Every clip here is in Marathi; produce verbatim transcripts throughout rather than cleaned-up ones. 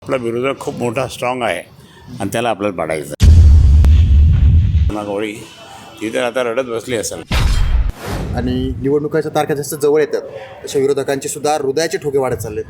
आपला विरोधक खूप मोठा स्ट्रॉंग आहे आणि त्याला आपल्याला पाडायचं. गोळी ती तर आता रडत बसली असेल. आणि निवडणुकाच्या तारखा जास्त जवळ येतात अशा विरोधकांचे सुद्धा हृदयाचे ठोके वाढत चाललेत.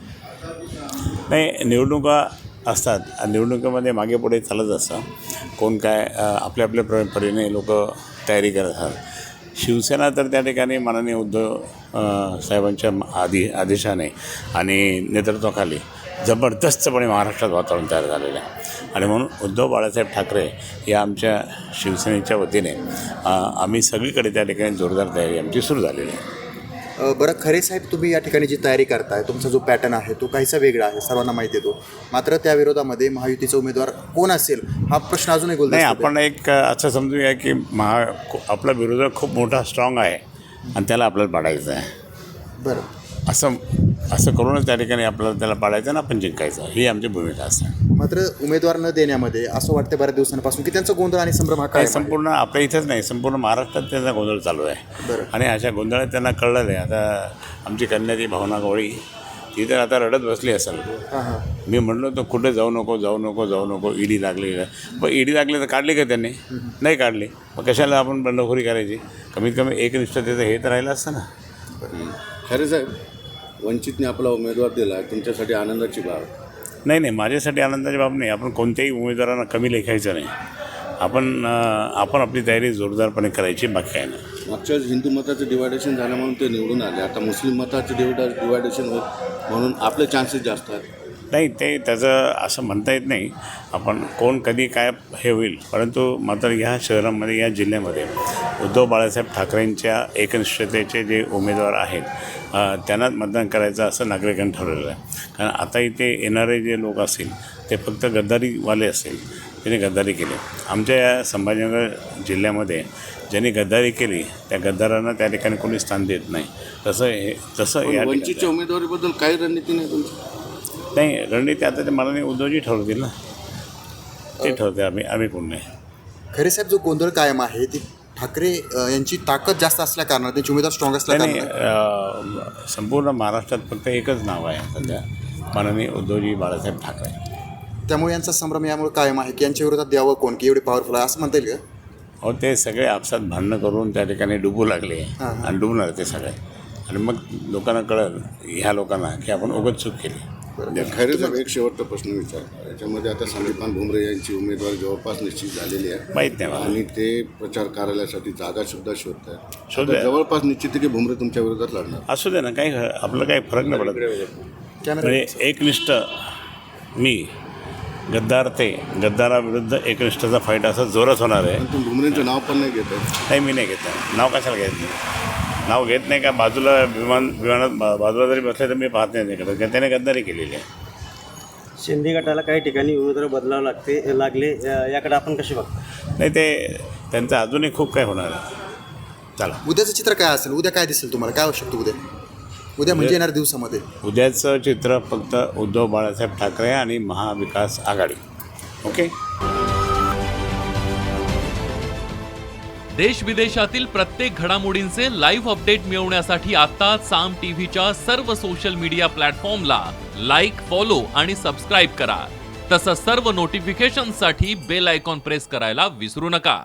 नाही, निवडणुका असतात आणि निवडणुकीमध्ये मागे पुढे चालत असतं. कोण काय आपल्या आपल्या प्र परीने लोक तयारी करत असतात. शिवसेना तर त्या ठिकाणी माननीय उद्धव साहेबांच्या आधी आदेशाने आणि नेतृत्वाखाली जबरदस्तपणे महाराष्ट्रात वातावरण तयार झालेलं आहे. आणि म्हणून उद्धव बाळासाहेब ठाकरे या आमच्या शिवसेनेच्या वतीने आम्ही सगळीकडे त्या ठिकाणी जोरदार तयारी आमची सुरू झालेली आहे. बरं, खरे साहेब, तुम्ही या ठिकाणी जी तयारी करताय, तुमचा जो पॅटर्न आहे तो काहीसा वेगळा आहे, सर्वांना माहिती आहे तो. मात्र त्या विरोधामध्ये महायुतीचा उमेदवार कोण असेल हा प्रश्न अजूनही बोलतो. नाही, आपण एक असं समजूया की महा आपला विरोधक खूप मोठा स्ट्रॉंग आहे आणि त्याला आपल्याला पाडायचं आहे. बरं, असं असं करूनच त्या ठिकाणी आपल्याला त्याला पाडायचं आणि आपण जिंकायचं, ही आमची भूमिका असते. मात्र उमेदवार न देण्यामध्ये असं वाटतं बऱ्याच दिवसांपासून की त्यांचा गोंधळ आणि संभ्रम हा काय संपूर्ण आपल्या इथंच नाही, संपूर्ण महाराष्ट्रात त्यांचा गोंधळ चालू आहे. बरं. आणि अशा गोंधळात त्यांना कळलं आहे. आता आमची कन्या ती भावना गवळी ती तर आता रडत बसली असेल. हां हां मी म्हणलो तर कुठे जाऊ नको जाऊ नको जाऊ नको ईडी लागली. मग ईडी लागली तर काढली का त्यांनी? नाही काढली. मग कशाला आपण बंडखोरी करायची? कमीत कमी एकनिष्ठतेचं हे तर राहिलं असतं ना. खरे साहेब, वंचितने आपला उमेदवार दिला, तुमच्यासाठी आनंदाची बाब? नाही नाही, माझ्यासाठी आनंदाची बाब नाही. आपण कोणत्याही उमेदवारांना कमी लेखायचं नाही. आपण आपण आपली तयारी जोरदारपणे करायची, बाकी काय नाही. मागच्या वेळेस हिंदू मताचं डिवायडेशन झालं म्हणून ते निवडून आले. आता मुस्लिम मताचं डिवायडा डिवायडेशन होत म्हणून आपले चान्सेस जास्त आहेत. नाही, ते त्याचं असं म्हणता येत नाही. आपण कोण कधी काय हे होईल, परंतु मात्र ह्या शहरामध्ये या जिल्ह्यामध्ये उद्धव बाळासाहेब ठाकरेंच्या एकनिष्ठतेचे जे उमेदवार आहेत त्यांनाच मतदान करायचं असं नागरिकांनी ठरवलेलं आहे. कारण आता इथे येणारे जे लोक असतील ते फक्त गद्दारीवाले असतील, त्यांनी गद्दारी केली. आमच्या या संभाजीनगर जिल्ह्यामध्ये ज्यांनी गद्दारी केली त्या गद्दारांना त्या ठिकाणी कोणी स्थान देत नाही. तसं हे तसं या वंचितच्या उमेदवारीबद्दल काही रणनीती नाही तुमची? नाही, रणनीती आता ते मला उद्धवजी ठरवतील ना, ते ठरवते. आम्ही आम्ही कोण नाही. खरे साहेब, जो गोंधळ कायम आहे ती ठाकरे यांची ताकद जास्त असल्या कारणाने, त्यांची उमेदवार स्ट्रॉंग असल्या कारणाने संपूर्ण महाराष्ट्रात फक्त एकच नाव आहे सध्या, माननीय उद्धवजी बाळासाहेब ठाकरे. त्यामुळे यांचा संभ्रम यामुळे कायम आहे की यांच्या विरोधात द्यावं कोण, की एवढे पॉवरफुल आहे असं म्हणता येईल का? हो, ते सगळे आपसात भांडणं करून त्या ठिकाणी डुबू लागले आणि डुबणार ते सगळे. आणि मग लोकांना कळलं, ह्या लोकांना, की आपण उगाच चूक केली. खरे साहेब, एक शेवटचा प्रश्न विचार. याच्यामध्ये आता संदीपान भुमरे यांची उमेदवारी जवळपास निश्चित झालेली आहे, माहीत नाही मला. आणि ते प्रचार कार्यालयासाठी जागा सुद्धा शोधत आहेत. शोध जवळपास निश्चित आहे की भुमरे तुमच्या विरोधात लढणार. असू दे ना, काही आपलं काही फरक नाही पडत. म्हणजे एकनिष्ठ मी, गद्दार ते, गद्दाराविरुद्ध एकनिष्ठाचा फाईट असं जोरात होणार आहे. पण तुम्ही भुमरेंचं नाव पण नाही घेत आहे? नाही, मी नाही घेत आहे. नाव कशाला घेत नाही? नाव घेत नाही का? बाजूला विमान विमानात बाजूला जरी बसले तर मी पाहत नाही करत, कारण त्याने गद्दारी केलेली आहे. शिंदे गटाला काही ठिकाणी उमेदवार बदलावं लागते लागले याकडे आपण कसे बघतो? नाही, ते त्यांचं अजूनही खूप काय होणार आहे. चला, उद्याचं चित्र काय असेल? उद्या काय दिसेल तुम्हाला? काय होऊ शकतं उद्या? उद्या म्हणजे येणाऱ्या दिवसामध्ये उद्याचं चित्र फक्त उद्धव बाळासाहेब ठाकरे आणि महाविकास आघाडी. ओके. देश विदेशातील प्रत्येक घडामोडींचे लाईव्ह अपडेट मिळवण्यासाठी आता साम टीव्हीच्या सर्व सोशल मीडिया प्लॅटफॉर्मला लाईक, फॉलो आणि सबस्क्राईब करा. तसंच सर्व नोटिफिकेशनसाठी बेल आयकॉन प्रेस करायला विसरू नका.